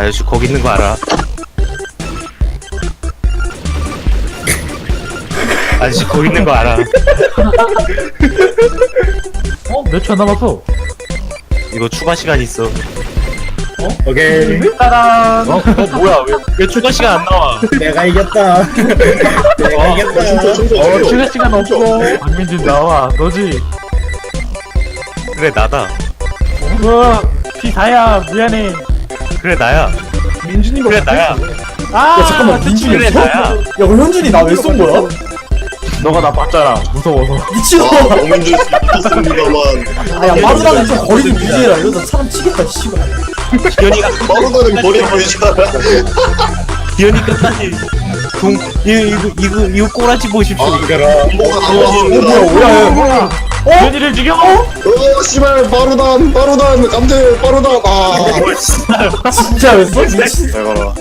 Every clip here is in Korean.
아저씨 거기 있는 거 알아? 아저씨 거기 있는 거 알아? 몇 초 안 남았어? 이거 추가 시간 있어. 오케이. 따란. 뭐야? 왜 추가 시간 안 나와? 내가 이겼다. 내가 이겼다. 추가 시간 없어. 박민진 나와. 너지? 그래 나다. P4야. 미안해. 그래 나야. 민준이가 그래 나야. 아, 잠깐만, 민준이 그래 나야. 야, 그럼 현준이 나 왜 쏜 거야? 너가 나 봤잖아. 무서워서. 미친놈아. 범인줄 수 있습니다만 아, 야, 빠르다는 좀 거리 좀 유지해라. 이러다 사람 치겠다, 씨발. 기현이가 빠르다는 거리 보이잖아. 기현이 끝까지 이거 꼬라지 보십시오. 뭐가 뭐야. 현이를 죽여. 씨발 빠르단 깜대 빠르단 진짜 왜 써? 미친. 잘 가라.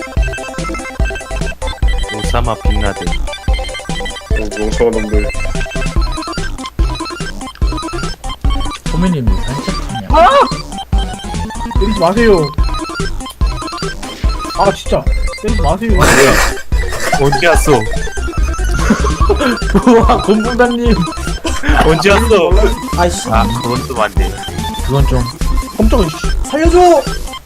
오사마 빈라덴. 멍청한 놈들. 소민님이 산책하냐? 때리지 마세요. 아, 진짜. 때리지 마세요. 언제 왔어? 우와, 곰붕당님. 언제 왔어? 아이씨. 아 그건 좀 안 돼. 그건 좀. 깜짝이야, 씨. 살려줘!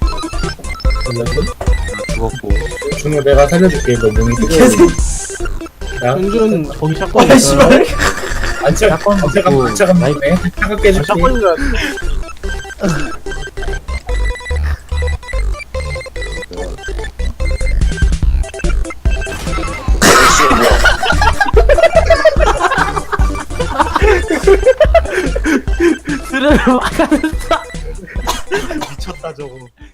죽었고. 준호, 내가 살려줄게. 너 몸이 개새끼. 현준, 거기 샷건. 아, 씨발. 샷건 있고. 나이네. 차갑게 해줄게. 스르르 막아낸다. 미쳤다 저거.